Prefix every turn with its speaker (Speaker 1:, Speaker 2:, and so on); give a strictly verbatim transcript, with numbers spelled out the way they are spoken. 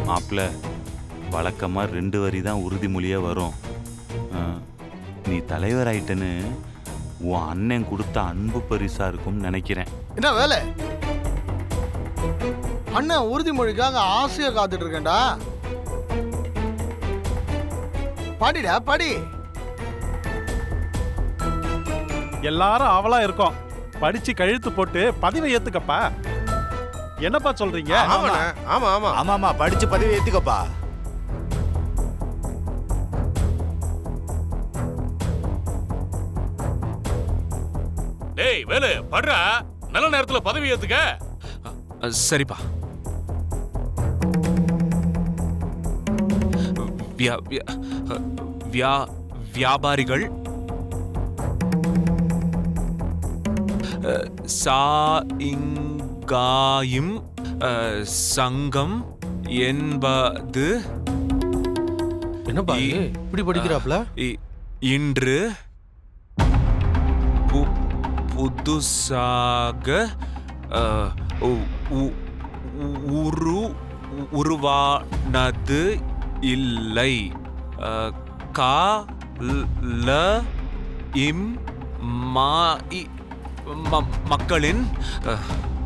Speaker 1: மாப்பிள்ள வழக்கமாக ரெண்டு வரி தான் உறுதிமொழியாக வரும். நீ தலைவர் ஆயிட்டன்னு உன் அண்ணன் கொடுத்த அன்பு பரிசா இருக்கும்னு நினைக்கிறேன்.
Speaker 2: என்ன வேலை? அண்ணன் உறுதிமொழிக்காக ஆசையா காத்துட்டு இருக்கேன்டா. பாடிடா பாடி.
Speaker 3: எல்லாரும் அவளா இருக்கோம். படிச்சு கழுத்து போட்டு பதவி ஏத்துக்கப்பா. என்னப்பா சொல்றீங்க?
Speaker 4: ஆமா ஆமா ஆமா
Speaker 5: ஆமா படிச்சு பதவி ஏத்துக்கப்பா.
Speaker 6: டேய் வேலு படுறா, நல்ல நேரத்துல பதவி ஏத்துக்க.
Speaker 7: சரிப்பா. வியாபாரிகள் சாயிங்காயும் சங்கம் என்பது
Speaker 4: என்னப்பா இப்படி படிக்கிறாப்ல?
Speaker 7: இன்று புதுசாக உரு உருவானது இல்லை. கால இம் மக்களின்